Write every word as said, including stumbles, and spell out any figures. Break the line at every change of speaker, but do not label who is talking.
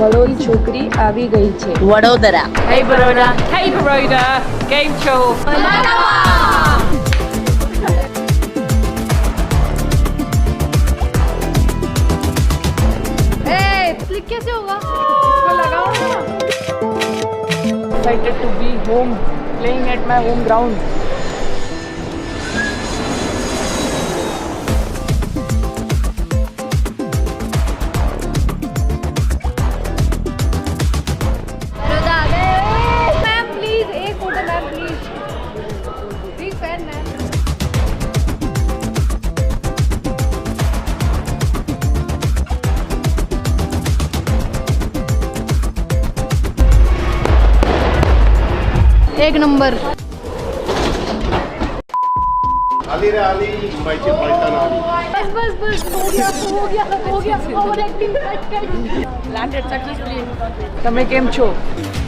બળોઈ છોકરી આવી ગઈ છે
Vadodara.
Hey Baroda. Hey Baroda. Game show.
Click कैसे होगा?
excited to be home playing at my home ground
Baroda आ गए। मैम प्लीज एक photo ma'am please big fan ma'am. एक नंबर
आली रे आली मुंबईची पलटण आली.
बस बस बस हो गया हो गया हो गया over acting cut cut
Landed successfully.
તમે કેમ છો